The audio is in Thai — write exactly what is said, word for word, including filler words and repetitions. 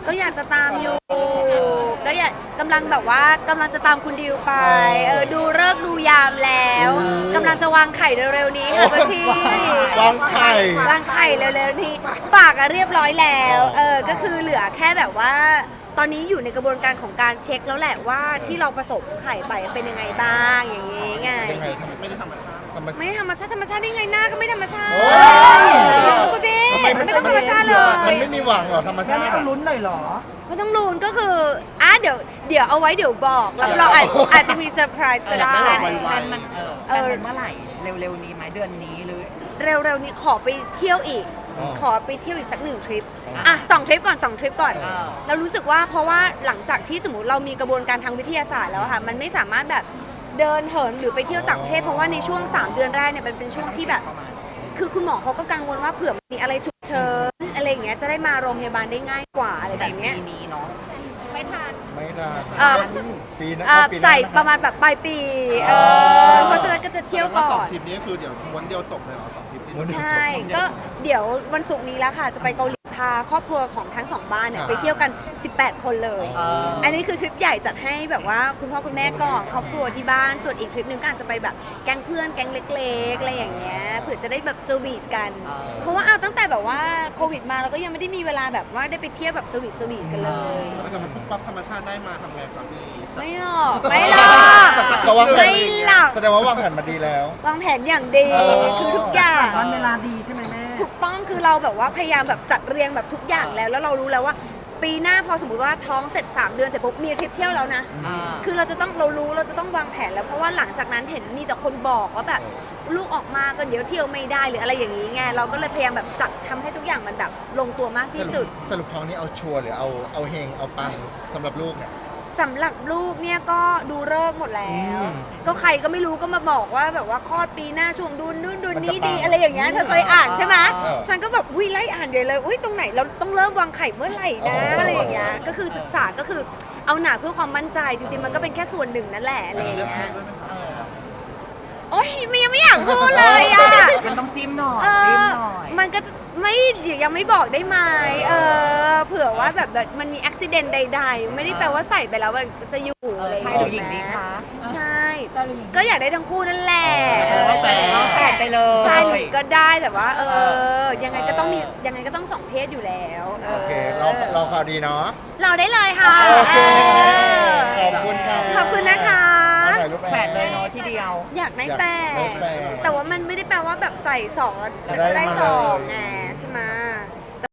ก็อยากจะตามอยู่ก็อยากกำลังแบบว่ากำลังจะตามคุณดิวไปเออดูเลิกษ์ดูยามแล้วกำลังจะวางไข่เร็วๆนี้ค่ะพี่วางไข่วางไข่เร็วๆนี้ฝากอะเรียบร้อยแล้วเออก็คือเหลือแค่แบบว่า ตอนนี้อยู่ในกระบวนการของการเช็คแล้วแหละว่าที่เราผสมไข่ไปเป็นยังไงบ้างอย่างงี้ไงยังไงทำไม่ได้ธรรมชาติธรรมชาติไม่ธรรมชาติธรรมชาติได้ไงหน้าก็ไม่ธรรมชาติโอ้ยคุณพี่ทำไมไม่ต้องธรรมชาติเลมันยไม่มีหวังเหรอธรรมแล้ชาวไม่ติต้องอะลุ้นหน่อยเหรอไม่ต้องลุ้นก็คืออ่ะเดี๋ยวเดี๋ยวเอาไว้เดี๋ยวบอกแล้วเราอาจอาจจะมีเซอร์ไพรส์ก็ได้แพลนมันเออแพลนมันเมื่อไหร่เร็วๆนี้ไหมเดือนนี้หรือเร็วๆนี้ขอไปเที่ยวอีก ขอไปเที่ยวอีกสักหนึ่งทริปอ่ะสองทริปก่อนสองทริปก่อนเรารู้สึกว่าเพราะว่าหลังจากที่สมมติเรามีกระบวนการทางวิทยาศาสตร์แล้วอะค่ะมันไม่สามารถแบบเดินเหินหรือไปเที่ยวต่างประเทศเพราะว่าในช่วงสามเดือนแรกเนี่ยมันเป็นช่วงที่แบบ คือคุณหมอเขาก็กังวลว่าเผื่อมีอะไรฉุกเฉินอะไรอย่างเงี้ยจะได้มาโรงพยาบาลได้ง่ายกว่าอะไรในแบบเนี้ยปีนี้เนาะไม่ทันไม่ได้เอ่อปีหน้าเอ่อปีหน้าใส่นคประมาณแบบปลายปีเออเพราะฉะนั้นก็จะเที่ยวก่อสองนทริปนี้คือเดี๋ยวม้วนเดียวจบเลยเหรอสองทริปนี้ม้วนเดียวใช่ก็เดี๋ยววันศุกร์นี้แล้วค่ะจะไปเกาหลีพาครอบครัวของทั้งสองบ้านเนี่ยไปเที่ยวกันสิบแปดคนเลยเอออันนี้คือทริปใหญ่จัดให้แบบว่าคุณพ่อคุณแม่ก่อนครอบครัวที่บ้านส่วนอีกทริปหนึงก็อาจจะไปแบบแก๊งเพื่อนแก๊งเล็กๆอะไรอย่างเงี้ยเผื่อจะได้แบบสวีทกัน เพราะว่าเอาตั้งแต่แบบว่าโควิดมาเราก็ยังไม่ได้มีเวลาแบบว่าได้ไปเที่ยวแบบสวีทสวีทกันเลยถ้าเกิดมันปุ๊บปั๊บธรรมชาติได้มาทำไงครับพี่ไม่หรอกไม่หรอกเขาวางแผนไม่หรอกแสดงว่าวางแผนมาดีแล้ววางแผนอย่างดีเออคือทุกอย่างวันเวลาดีใช่ไหมแม่ถูกต้องคือเราแบบว่าพยายามแบบจัดเรียงแบบทุกอย่างแล้ว แล้วเรารู้แล้วว่า ปีหน้าพอสมมติว่าท้องเสร็จสามเดือนเสร็จปุ๊บมีทริปเที่ยวแล้วนะอ่าคือเราจะต้องเรารู้เราจะต้องวางแผนแล้วเพราะว่าหลังจากนั้นเห็นมีแต่คนบอกว่าแบบลูกออกมาก็เดี๋ยวเที่ยวไม่ได้หรืออะไรอย่างนี้ไงเราก็เลยพยายามแบบจัดทำให้ทุกอย่างมันแบบลงตัวมากที่สุดสรุปท้องนี้เอาชัวร์หรือเอาเอาเฮงเอาปังสำหรับลูกเนี่ยสำหรับลูกเนี่ยก็ดูเลิกษ์หมดแล้วอืมก็ใครก็ไม่รู้ก็มาบอกว่าแบบว่าคลอดปีหน้าช่วงดูนู่นดูมันจะนี่ดีปังอะไรอย่างเงี้ยเธอเคยอ่านใช่ไหมเออฉันก็แบบอุ้ยไล่อ่านเดี๋ยวเลยอุ้ยตรงไหนเราต้องเริ่มวางไข่เมื่อไหร่นะอ๋อออะไรอย่างเงี้ยก็คือศึกษาก็คือเอาหนาเพื่อความมั่นใจจริงๆมันก็เป็นแค่ส่วนหนึ่งนั่นแหละอะไรอย่างเงี้ยเออโอ๊ยมันยังไม่อยากพูดเลยอ่ะมันต้องจิ้มหน่อยเอจิ้มอหน่อยมันก็จะไม่ยังไม่บอกได้ไหมเออเผื่อว่าแบบมันมีอุบิเหตุใดๆ ไม่ได้แปลว่าใส่ไปแล้วมันจะอยู่เออะไรออย่างใช่เงี้ยหรือหญิงดีคะใช่ ก็อยากได้ทั้งคู่นั่นแหละเออแฝดแฝดไปเลยใช่หรือก็ได้แต่ว่า เออ ยังไงก็ต้องมียังไงก็ต้องสองเพศอยู่แล้วเอโออเคเราเราข่าวดีเนาะเราได้เลยค่ะโอเคเอขออบคุณค่ะขอบคุณนะคะถ่ายรูปแฝดเลยเนาะที่เดียวอยากได้แต่อยากได้แต่แต่ว่ามันไม่ได้แปลว่าแบบใส่สองแล้วจะจะได้ได้มาสองเลย